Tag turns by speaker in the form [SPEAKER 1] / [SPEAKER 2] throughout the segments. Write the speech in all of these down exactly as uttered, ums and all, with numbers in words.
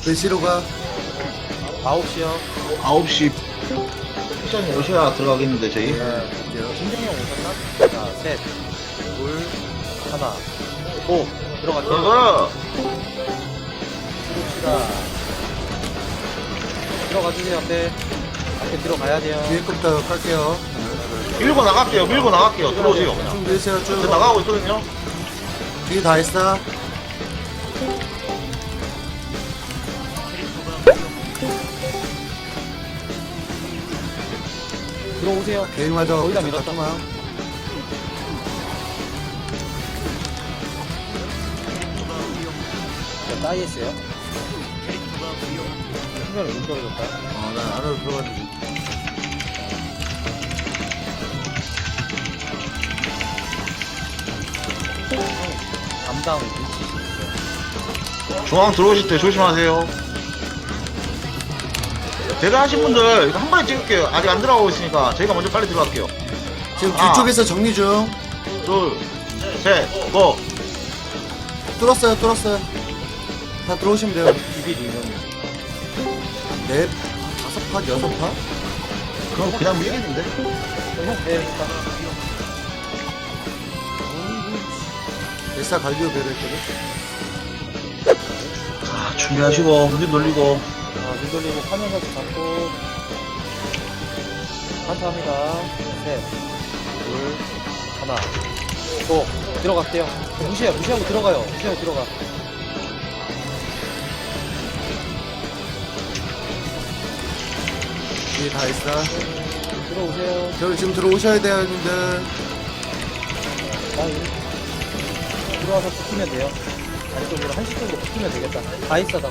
[SPEAKER 1] 몇 시로 가?
[SPEAKER 2] 아홉 시요.
[SPEAKER 3] 아홉 시 시장님 오셔야 들어가겠는데 저희.
[SPEAKER 1] 네, 갈게요.
[SPEAKER 2] 김정형 오셨나? 자, 셋, 둘, 하나, 오. 들어갈게요.
[SPEAKER 3] 들어가.
[SPEAKER 2] 들어옵시다. 들어가주세요, 앞에. 앞에 들어가야 돼요.
[SPEAKER 1] 위에 거부터 깔게요.
[SPEAKER 3] 밀고 나갈게요. 밀고 나갈게요. 들어오세요.
[SPEAKER 1] 쭉 밀으세요,
[SPEAKER 3] 저
[SPEAKER 1] 쭉.
[SPEAKER 3] 나가고 있거든요.
[SPEAKER 1] 뒤에 다 했어.
[SPEAKER 2] 들어오세요.
[SPEAKER 1] 개인 맞아.
[SPEAKER 2] 거의 다 밀었다.
[SPEAKER 1] 잠깐만.
[SPEAKER 2] 자, 따이 했어요. 신경을 못 떨어졌다.
[SPEAKER 1] 어, 난 안으로 들어갔는데.
[SPEAKER 2] 담당 위치.
[SPEAKER 3] 중앙 들어오실 때 조심하세요. 대단 하신 분들 이거 한 번에 찍을게요. 아직 안 들어가고 있으니까 저희가 먼저 빨리 들어갈게요.
[SPEAKER 1] 지금
[SPEAKER 3] 아.
[SPEAKER 1] 뒤쪽에서 정리 중.
[SPEAKER 3] 둘, 셋, 고.
[SPEAKER 1] 뚫었어요, 뚫었어요. 다 들어오시면 돼요.
[SPEAKER 2] 비빌 이면.
[SPEAKER 1] 넷, 다섯 파, 여섯 파?
[SPEAKER 3] 그럼 그냥 밀겠는데?
[SPEAKER 2] 형, 네, 일단.
[SPEAKER 1] 엘사 갈비오 배를 했거든.
[SPEAKER 3] 자, 준비하시고 문좀 돌리고.
[SPEAKER 2] 자, 눈 돌리고 화면까지 잡고. 감사합니다. 셋, 둘, 하나, 고. 들어갈게요. 무시해, 무시하고 들어가요. 무시하고 들어가.
[SPEAKER 1] 뒤에 다 했어.
[SPEAKER 2] 들어오세요.
[SPEAKER 1] 저 지금 들어오셔야 돼요, 형님들.
[SPEAKER 2] 나이. 들어와서 붙으면 돼요. 아래쪽으로 한시쪽으로 붙으면 되겠다. 다 있어다.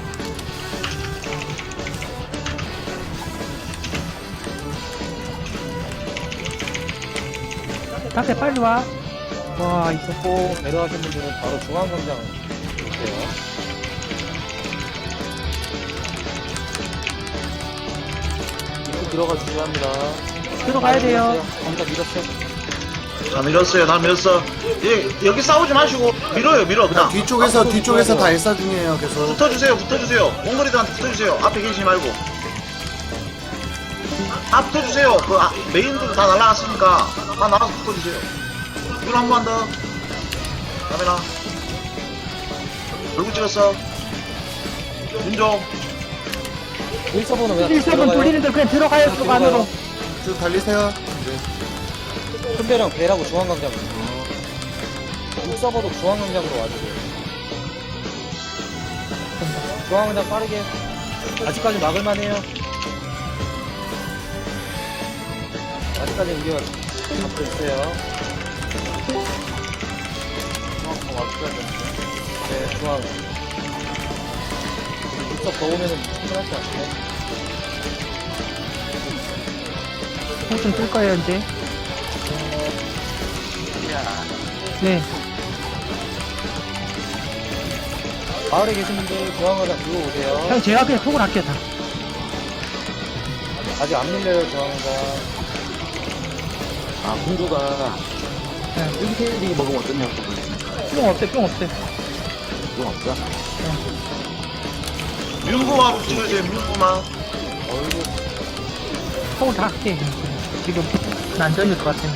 [SPEAKER 4] 다시 빨리 와. 와, 있었고.
[SPEAKER 2] 내려가신 분들은 바로 중앙광장 볼게요. 입구 들어가 주셔야 합니다.
[SPEAKER 4] 들어가야 돼요.
[SPEAKER 2] 거기다 밀었어요.
[SPEAKER 3] 자, 밀었어요. 다 밀었어. 예, 여기 싸우지 마시고 밀어요. 밀어 그냥.
[SPEAKER 1] 뒤쪽에서,
[SPEAKER 2] 앞으로
[SPEAKER 1] 뒤쪽에서
[SPEAKER 2] 붙어야
[SPEAKER 1] 다 엘사 중이에요, 계속.
[SPEAKER 3] 붙어주세요. 붙어주세요. 몽골이들한테 붙어주세요. 앞에 계시지 말고. 아, 붙어주세요. 그 아, 메인들 다 날라갔으니까 다 나가서 붙어주세요. 이걸 한 번 더. 카메라. 얼굴 찍었어. 윤종.
[SPEAKER 2] 일 서버는 왜
[SPEAKER 4] 일 세번 돌리는데 그냥 들어가요, 속 안으로.
[SPEAKER 1] 쭉 달리세요.
[SPEAKER 2] 큰배랑 배라고 중앙광장으로. 육 서버도 중앙광장으로 와주세요. 중앙광장 빠르게. 아직까지 막을만해요. 아직까지 우리가 잡고 있어요. 중앙 와주셔야 네, 중앙. 육석 더 오면은 충분할 것 같아요.
[SPEAKER 4] 호좀 뜰 거예요, 이제. 네.
[SPEAKER 2] 마을에 계신 분들 중앙광장 들어오세요.
[SPEAKER 4] 형, 제가 그냥 속을 아껴, 다.
[SPEAKER 2] 아직 안 밀려요, 중앙광장.
[SPEAKER 5] 아, 공주가
[SPEAKER 4] 네.
[SPEAKER 5] 일대일이 먹으면 어떠냐고.
[SPEAKER 4] 뿅 없대, 뿅 없대.
[SPEAKER 5] 그건 없어?
[SPEAKER 3] 윤구만 찍어주세요. 윤구만.
[SPEAKER 2] 어이구.
[SPEAKER 4] 속을 다 할게. 지금, 난전일 것 같아.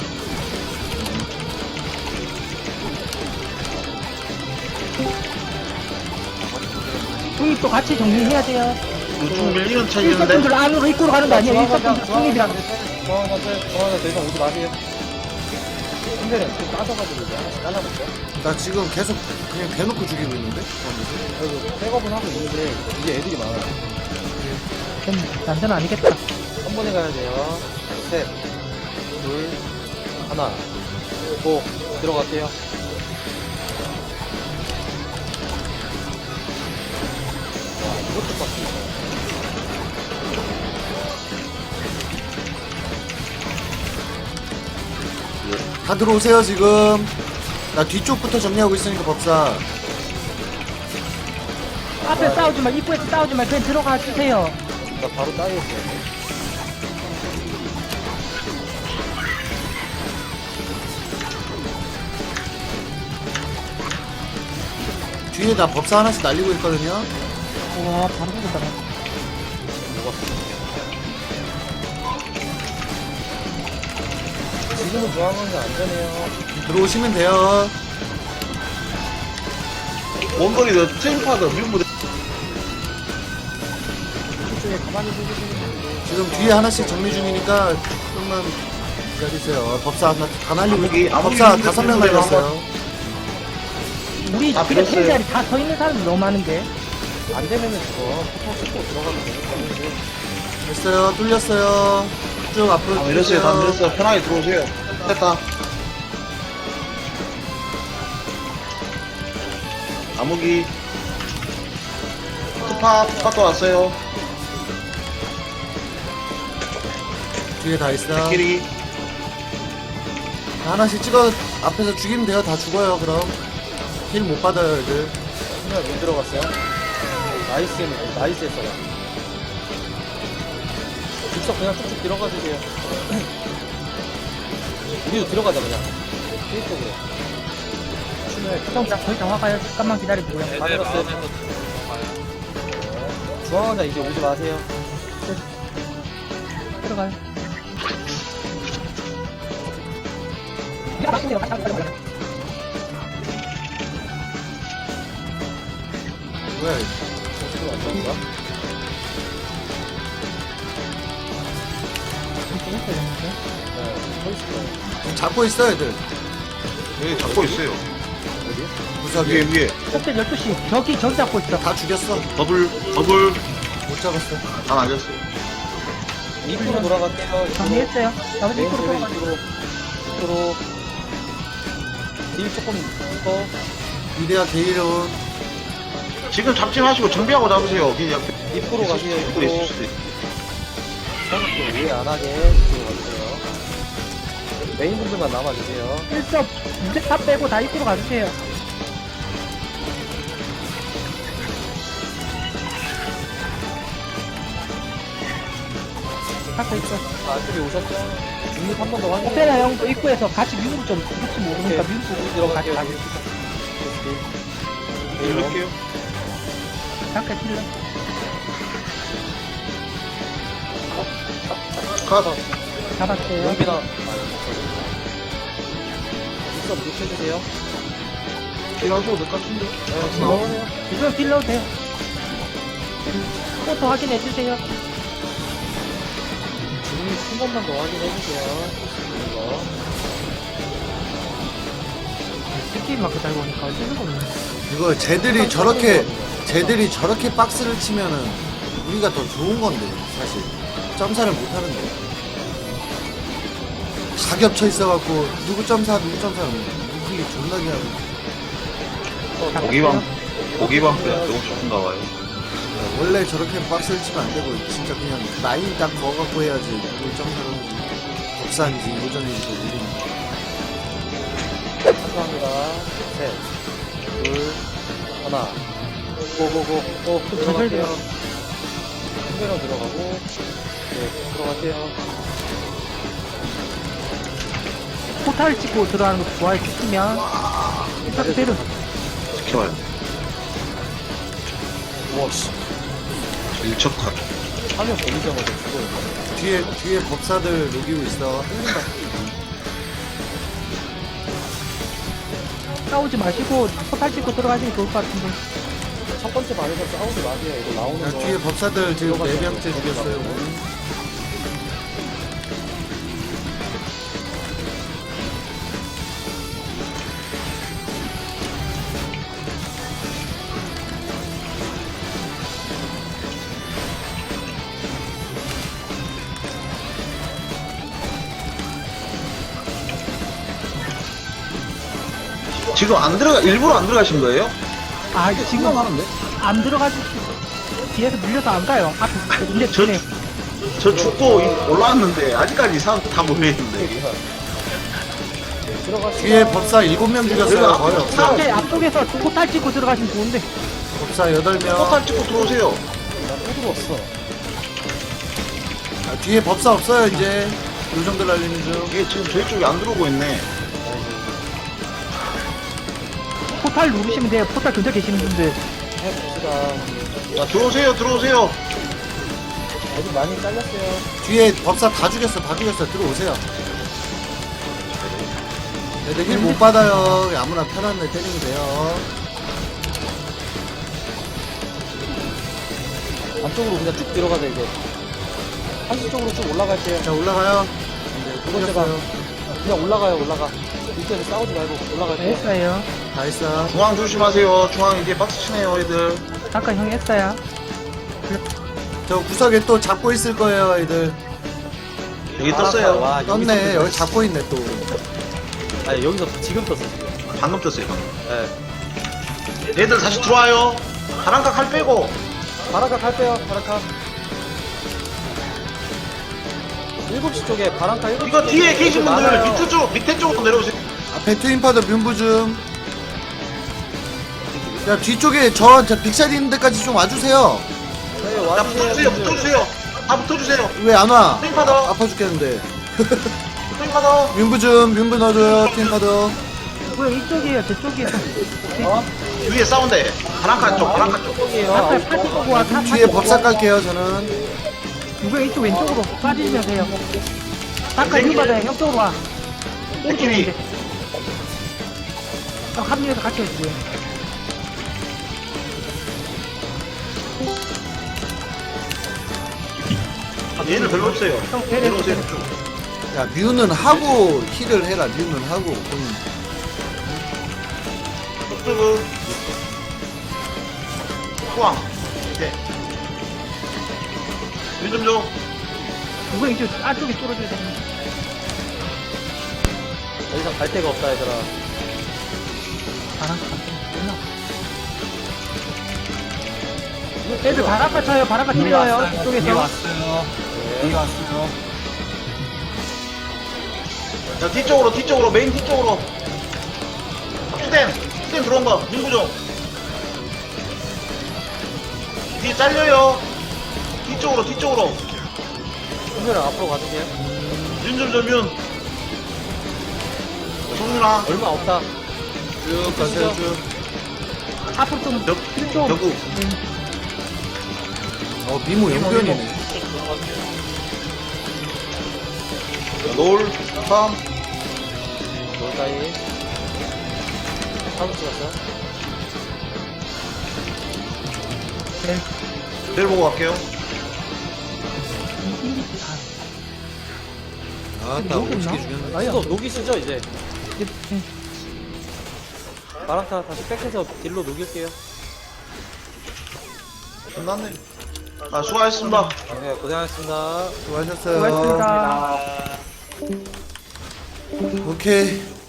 [SPEAKER 4] 중립도 같이 정리해야 돼요.
[SPEAKER 3] 우중 밀리는
[SPEAKER 4] 일
[SPEAKER 3] 차이였는데.
[SPEAKER 4] 세분들 안으로 입구로 가는 거 아니에요? 일 세분들 중립이랑.
[SPEAKER 2] 중앙광장, 중앙광장 더 이상 오지 마세요. 근데는 좀 따져가지고 이제 하나씩 잘라볼게요.
[SPEAKER 1] 나 지금 계속 그냥 대놓고 죽이고 있는데?
[SPEAKER 2] 그리고 백업은 하고 있는데 이제 애들이 많아요.
[SPEAKER 4] 좀 난전 아니겠다.
[SPEAKER 2] 한 번에 가야 돼요. 셋, 둘, 하나, 고 들어갈게요. 와, 이것도 빡치네.
[SPEAKER 1] 다 들어오세요, 지금. 나 뒤쪽부터 정리하고 있으니까 법사.
[SPEAKER 4] 앞에 싸우지 마, 입구에서 싸우지 마, 그냥 들어가 주세요.
[SPEAKER 2] 나 바로 따이했어요.
[SPEAKER 1] 뒤에 나 법사 하나씩 날리고 있거든요.
[SPEAKER 4] 와, 바로 죽었다.
[SPEAKER 2] 지금은 중앙관계 안전해요.
[SPEAKER 1] 들어오시면 돼요.
[SPEAKER 3] 원거리 더 트램파드 밀무대
[SPEAKER 2] 이쪽에 가만히 보시면
[SPEAKER 1] 지금 뒤에 하나씩 정리 중이니까 조금만 기다리세요. 법사 하나 다 날리고
[SPEAKER 3] 아무기,
[SPEAKER 1] 있-
[SPEAKER 3] 아무기
[SPEAKER 1] 법사
[SPEAKER 3] 힘들
[SPEAKER 1] 다섯 명
[SPEAKER 3] 텐데
[SPEAKER 1] 날렸어요.
[SPEAKER 4] 우리
[SPEAKER 3] 다
[SPEAKER 4] 집에
[SPEAKER 3] 빌었어요.
[SPEAKER 4] 텔자리 다 서 있는 사람이 너무 많은데.
[SPEAKER 2] 안 되면은 저거 포탈 찍고 들어가면 되는데.
[SPEAKER 1] 됐어요. 뚫렸어요. 쭉 앞으로
[SPEAKER 3] 다 밀었어요. 다 밀었어요. 편하게 들어오세요. 됐다. 암흑이 투파 투파도 왔어요.
[SPEAKER 1] 뒤에 다 있어.
[SPEAKER 3] 끼리
[SPEAKER 1] 하나씩 찍어 앞에서 죽이면 돼요. 다 죽어요. 그럼 힐 못 받아요, 애들.
[SPEAKER 2] 그냥 못 들어갔어요. 나이스, 나이스 했어요. 직접 그냥 쭉쭉 들어가 주세요. 우리도 들어가자, 그냥. 일쪽으로. 춤을
[SPEAKER 4] 형, 그냥 거의 다 와가요. 잠깐만 기다려주고요.
[SPEAKER 2] 다 들었어요. 중앙원자 이제 오지 마세요.
[SPEAKER 4] 들어가요.
[SPEAKER 1] 뭐야? 이거.
[SPEAKER 2] 지금 안 좋은가? 네, 서 있어요.
[SPEAKER 1] 지금 잡고 있어, 애들.
[SPEAKER 3] 여기 잡고 있어요.
[SPEAKER 1] 구석에
[SPEAKER 3] 위에 위에
[SPEAKER 4] 꼭대 열두 시. 저기, 저기 잡고 있어.
[SPEAKER 1] 다 죽였어.
[SPEAKER 3] 더블 더블
[SPEAKER 1] 못 잡았어.
[SPEAKER 3] 다 날렸어요.
[SPEAKER 2] 입구로 돌아갈게요. 입구로.
[SPEAKER 4] 정리했어요. 나머지
[SPEAKER 2] 메인
[SPEAKER 4] 입구로
[SPEAKER 2] 쪽으로,
[SPEAKER 4] 들어가요.
[SPEAKER 2] 입구로. 입구로. 딜 조금 더.
[SPEAKER 1] 이대야 게이론.
[SPEAKER 3] 지금 잡지 마시고 정비하고 잡으세요. 그냥 옆에
[SPEAKER 2] 입구로 가세요.
[SPEAKER 3] 입구로
[SPEAKER 2] 입구로.
[SPEAKER 3] 있을 수도 있어.
[SPEAKER 2] 성격도 오해 안 하게 입구로 가주세요. 메인 분들만 남아주세요.
[SPEAKER 4] 일섭, 무대 탑 빼고 다 입구로 가주세요. 갖고 있어.
[SPEAKER 2] 아, 안쪽에 오셨죠? 중립 한 번 더 확인해.
[SPEAKER 4] 오페라 형도 입구에서 같이 미국 좀, 혹시 모르니까
[SPEAKER 2] 오케이.
[SPEAKER 4] 미국
[SPEAKER 2] 우리
[SPEAKER 4] 좀 같이
[SPEAKER 2] 들어갈게요.
[SPEAKER 4] 가주세요.
[SPEAKER 3] 이럴게요.
[SPEAKER 4] 잠깐 찔러.
[SPEAKER 3] 컷.
[SPEAKER 4] 잡았어요.
[SPEAKER 2] 용비나. 입서 무시해주세요.
[SPEAKER 3] 필요하셔도 될 것 같은데.
[SPEAKER 2] 네,
[SPEAKER 4] 어,
[SPEAKER 2] 지금
[SPEAKER 4] 지금 딜러도 돼요. 포토 확인해주세요.
[SPEAKER 2] 중립 한 번만 더 확인해주세요. 이거.
[SPEAKER 4] 스킬 마크 달고 오니까 어쩔 수가 없네.
[SPEAKER 1] 이거 쟤들이 저렇게 쟤들이 저렇게 박스를 치면은 우리가 더 좋은 건데 사실 점사를 못 하는데 다 겹쳐 있어갖고 누구 점사 누구 점사 우클릭 존나게 하는.
[SPEAKER 3] 고기방 고기방 그냥 너무 좋은가 봐요.
[SPEAKER 1] 원래 저렇게 박스를 치면 안 되고 진짜 그냥 라인 딱 그어갖고 해야지 누구 점사를 법사인지 요전인지 모르는.
[SPEAKER 2] 감사합니다. 셋, 둘, 하나. 고고고. 고. 들어갈게요. 큰배로 들어가고. 네, 들어갈게요.
[SPEAKER 4] 포탈 찍고 들어가는 거 좋아해 주시면 일단 그대로
[SPEAKER 3] 지켜봐요.
[SPEAKER 2] 와씨.
[SPEAKER 3] 일척컷.
[SPEAKER 2] 화면 보이자마자 죽어요.
[SPEAKER 1] 뒤에 뒤에 법사들 녹이고 있어.
[SPEAKER 4] 싸우지 마시고 포탈 찍고 들어가시면 좋을 것 같은데.
[SPEAKER 2] 첫 번째 반에서 싸우지 마세요. 이거 나오는
[SPEAKER 1] 야,
[SPEAKER 2] 거.
[SPEAKER 1] 뒤에 법사들 지금 네 명째 죽였어요.
[SPEAKER 3] 지금 안 들어가 일부러 안 들어가신 거예요?
[SPEAKER 4] 아 지금
[SPEAKER 3] 하는데?
[SPEAKER 4] 안 들어가지고 뒤에서 밀려서 안 가요. 앞에 근데
[SPEAKER 3] 저-
[SPEAKER 4] 전에
[SPEAKER 3] 저 죽고 이- 올라왔는데 아직까지 사람 다 모여있는데.
[SPEAKER 2] 들어가시죠.
[SPEAKER 1] 뒤에 법사 일곱 명 죽였어요.
[SPEAKER 3] 내가
[SPEAKER 1] 거의 없어.
[SPEAKER 3] 사람
[SPEAKER 4] 앞에 앞쪽에서 포탈 찍고 들어가시면 좋은데.
[SPEAKER 1] 법사 여덟 명.
[SPEAKER 3] 포탈 찍고 들어오세요.
[SPEAKER 2] 나또 들어왔어.
[SPEAKER 1] 아, 뒤에 법사 없어요 이제. 요정들 날리는 중.
[SPEAKER 3] 이게 지금 저희 쪽에 안 들어오고 있네.
[SPEAKER 4] 포탈 누르시면 돼요. 포탈 근처 계시는 분들
[SPEAKER 2] 해봅시다.
[SPEAKER 3] 자, 들어오세요, 들어오세요.
[SPEAKER 2] 아직 많이 잘렸어요.
[SPEAKER 1] 뒤에 법사 다 죽였어, 다 죽였어. 들어오세요. 애들 힐 못 받아요. 아무나 편한 애 때리면 돼요.
[SPEAKER 2] 안쪽으로 그냥 쭉 들어가자, 이제. 한시 쪽으로 쭉 올라갈게요.
[SPEAKER 1] 자, 올라가요.
[SPEAKER 2] 두 번째 방. 그냥 올라가요, 올라가. 밑에서 싸우지 말고 올라갈게요.
[SPEAKER 4] 했어요.
[SPEAKER 1] 다 했어.
[SPEAKER 3] 중앙 조심하세요. 중앙 이제 박스 치네요, 애들.
[SPEAKER 4] 아까 형이 했어요.
[SPEAKER 1] 저 구석에 또 잡고 있을 거예요, 애들.
[SPEAKER 3] 여기 떴어요.
[SPEAKER 2] 와,
[SPEAKER 1] 떴네. 여기 잡고 있네, 또.
[SPEAKER 2] 아니, 여기서 지금 떴어, 지금.
[SPEAKER 3] 방금 떴어요, 방금.
[SPEAKER 2] 네.
[SPEAKER 3] 얘들 다시 들어와요. 바람각 칼 빼고.
[SPEAKER 2] 바라카 갈 빼요, 바라카. 일곱 시 쪽에 바람카 일곱 시
[SPEAKER 3] 이거 뒤에 계신 분들
[SPEAKER 2] 많아요.
[SPEAKER 3] 밑에 쪽, 밑에 쪽으로 내려오세요.
[SPEAKER 1] 앞에 트윈파더 뮨부 좀. 야, 뒤쪽에 저, 저 빅샷 있는 데까지 좀 와주세요.
[SPEAKER 2] 네,
[SPEAKER 3] 자,
[SPEAKER 2] 와주세요,
[SPEAKER 3] 붙어주세요,
[SPEAKER 2] 분들.
[SPEAKER 3] 붙어주세요. 다 붙어주세요.
[SPEAKER 1] 왜 안 와?
[SPEAKER 3] 트윈파더,
[SPEAKER 1] 아파 죽겠는데.
[SPEAKER 3] 트윈파더.
[SPEAKER 1] 뮨부 좀, 뮨부 넣어줘요, 트윈파더.
[SPEAKER 4] 왜 이쪽이에요? 저쪽이에요.
[SPEAKER 2] 어?
[SPEAKER 3] 위에 싸운대. 바람카 쪽, 바람카 쪽.
[SPEAKER 2] 쪽이에요.
[SPEAKER 4] 아까 파티 보고 와. 다
[SPEAKER 1] 뒤에
[SPEAKER 4] 파티
[SPEAKER 1] 법사
[SPEAKER 4] 보고 와.
[SPEAKER 1] 깔게요, 저는.
[SPEAKER 4] 누가 이쪽 왼쪽으로 빠지면 돼요. 아까 형 받아요. 형 쪽으로 와.
[SPEAKER 3] 느낌이.
[SPEAKER 4] 형 합류해서 같이 해주세요.
[SPEAKER 3] 얘는 별로 없어요.
[SPEAKER 4] 형 내려.
[SPEAKER 3] 내려오세요.
[SPEAKER 1] 야, 뮤는 하고 힐을 해라, 뮤는 하고. 음.
[SPEAKER 3] 쪽쪽은. 포항. 이제. 윤좀 줘.
[SPEAKER 4] 누가 이쪽 안쪽에 뚫어줘야 되는데.
[SPEAKER 2] 더 이상 갈 데가 없다, 얘들아.
[SPEAKER 4] 바람 애들 바람까 쳐요. 바람까 들려요. 이쪽에서.
[SPEAKER 5] 왔어요.
[SPEAKER 2] 네.
[SPEAKER 5] 왔어요.
[SPEAKER 3] 자, 뒤쪽으로, 뒤쪽으로, 메인 뒤쪽으로. 슈댐, 슈댐 들어온 거, 민구종. 뒤에 잘려요. 뒤쪽으로, 뒤쪽으로.
[SPEAKER 2] 형들랑 앞으로 가주세요.
[SPEAKER 3] 윤좀 줘, 윤. 성윤아,
[SPEAKER 2] 얼마 없다.
[SPEAKER 1] 쭉 가세요, 쭉.
[SPEAKER 4] 앞으로 좀.
[SPEAKER 3] 벽,
[SPEAKER 4] 좀.
[SPEAKER 3] 벽구.
[SPEAKER 1] 어, 미모 연변이네.
[SPEAKER 3] 노을, 삼.
[SPEAKER 2] 뭘까이? 사무 찍었어.
[SPEAKER 4] 네.
[SPEAKER 3] 내일 보고 갈게요.
[SPEAKER 1] 아, 나 오지게 죽였네.
[SPEAKER 2] 아니, 너 녹이 쓰죠, 이제.
[SPEAKER 4] 네.
[SPEAKER 2] 바람타 다시 백해서 딜로 녹일게요.
[SPEAKER 3] 끝났네. 아, 수고하셨습니다.
[SPEAKER 2] 네, 고생하셨습니다.
[SPEAKER 1] 수고하셨어요.
[SPEAKER 4] 고맙습니다.
[SPEAKER 1] 오케이.